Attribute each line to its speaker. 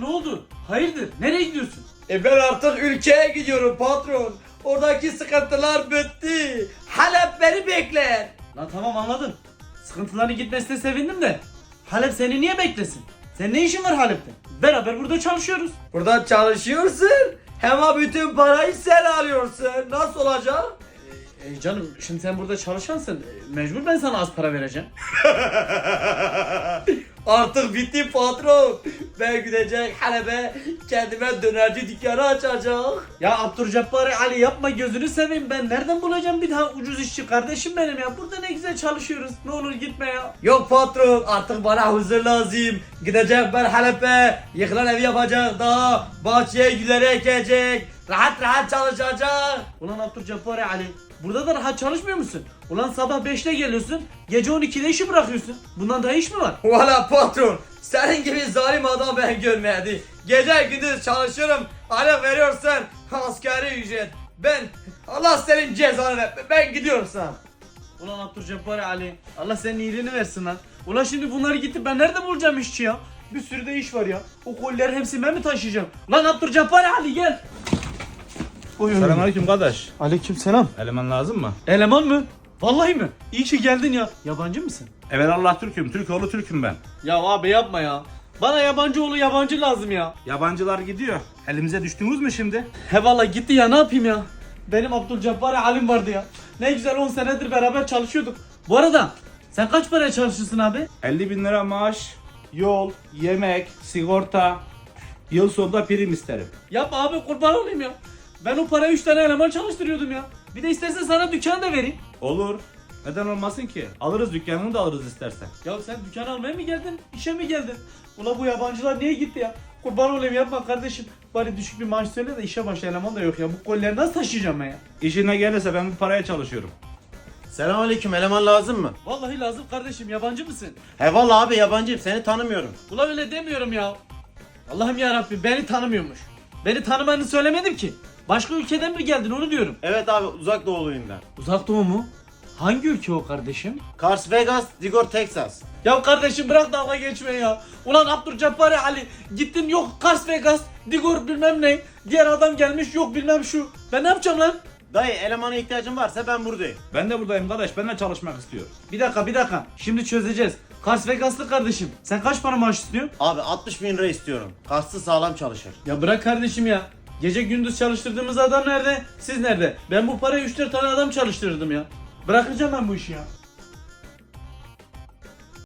Speaker 1: ne oldu? Hayırdır? Nereye gidiyorsun?
Speaker 2: Ben artık ülkeye gidiyorum patron. Oradaki sıkıntılar bitti. Halep beni bekler.
Speaker 1: Lan tamam anladım. Sıkıntıların gitmesine sevindim de. Halep seni niye beklesin? Senin ne işin var Halep'te? Beraber burada çalışıyoruz.
Speaker 2: Burada çalışıyorsun. Hem bütün parayı sen alıyorsun. Nasıl olacak?
Speaker 1: Canım şimdi sen burada çalışansın. Mecbur ben sana az para vereceğim.
Speaker 2: Artık bitti patron. Ben gidecek Halep'e kendime dönerci dükkanı açacak.
Speaker 1: Ya Abdurcabbar Ali yapma gözünü seveyim, ben nereden bulacağım bir daha ucuz işçi kardeşim benim ya. Burada ne güzel çalışıyoruz. Ne olur gitme ya.
Speaker 2: Yok patron artık bana huzur lazım. Gidecek ben Halep'e yıkılan evi yapacak daha. Bahçeye gülleri ekecek. Rahat rahat çalışacak.
Speaker 1: Ulan Abdurcabbar Ali, burada da rahat çalışmıyor musun? Ulan sabah 5'te geliyorsun, gece 12'de işi bırakıyorsun. Bundan daha iş mi var?
Speaker 2: Valla patron senin gibi zalim adam ben görmedi. Gece gündüz çalışıyorum. Hala veriyorsan asgari ücret. Allah senin cezanı ver. Ben gidiyorum sana.
Speaker 1: Ulan Abdurcabbar Ali, Allah senin iyiliğini versin lan. Ulan şimdi bunları gidip ben nerede bulacağım işçi ya? Bir sürü de iş var ya. O kolileri hepsini ben mi taşıyacağım? Lan Abdurcabbar Ali gel.
Speaker 3: Selamünaleyküm kardeş.
Speaker 1: Aleykümselam.
Speaker 3: Eleman lazım mı?
Speaker 1: Eleman mı? Vallahi mi? İyi ki geldin ya. Yabancı mısın?
Speaker 3: Evelallah Türk'üm. Türkoğlu Türk'üm ben.
Speaker 1: Ya abi yapma ya. Bana yabancı oğlu yabancı lazım ya.
Speaker 3: Yabancılar gidiyor. Elimize düştünüz mü şimdi?
Speaker 1: He vallahi gitti ya, ne yapayım ya. Benim Abdülcabbar Halim vardı ya. Ne güzel 10 senedir beraber çalışıyorduk. Bu arada sen kaç paraya çalışırsın abi?
Speaker 3: 50 bin lira maaş, yol, yemek, sigorta. Yıl sonunda prim isterim.
Speaker 1: Yapma abi, kurban olayım ya. Ben o paraya 3 tane eleman çalıştırıyordum ya. Bir de istersen sana dükkan da vereyim.
Speaker 3: Olur. Neden olmasın ki? Alırız, dükkanını da alırız istersen.
Speaker 1: Ya sen dükkan almaya mı geldin? İşe mi geldin? Ula bu yabancılar niye gitti ya? Kurban olayım yapma kardeşim. Bari düşük bir maaş söyle de işe başla, eleman da yok ya. Bu kolileri nasıl taşıyacağım ben ya?
Speaker 3: İşine gelirse ben bu paraya çalışıyorum.
Speaker 4: Selamünaleyküm, eleman lazım mı?
Speaker 1: Vallahi lazım kardeşim, yabancı mısın?
Speaker 4: He vallahi abi yabancıyım, seni tanımıyorum.
Speaker 1: Ula öyle demiyorum ya. Allah'ım yarabbim, beni tanımıyormuş. Beni tanımanı söylemedim ki. Başka ülkeden mi geldin onu diyorum.
Speaker 4: Evet abi, uzak doğuluyum ben.
Speaker 1: Uzak Doğu mu? Hangi ülke o kardeşim?
Speaker 4: Las Vegas, Digor, Texas.
Speaker 1: Ya kardeşim bırak dalga geçme ya. Ulan Abdurcabbar Ali gittin, yok Las Vegas, Digor bilmem ne. Diğer adam gelmiş, yok bilmem şu. Ben ne yapacağım lan?
Speaker 4: Dayı, elemana ihtiyacın varsa ben buradayım.
Speaker 3: Ben de buradayım kardeş. Ben de çalışmak istiyorum.
Speaker 1: Bir dakika. Şimdi çözeceğiz. Las Vegas'lı kardeşim. Sen kaç para maaş istiyorsun?
Speaker 4: Abi 60 bin lira istiyorum. Kastı sağlam çalışır.
Speaker 1: Ya bırak kardeşim ya. Gece gündüz çalıştırdığımız adam nerede? Siz nerede? Ben bu paraya 3-4 tane adam çalıştırırdım ya. Bırakacağım ben bu işi ya.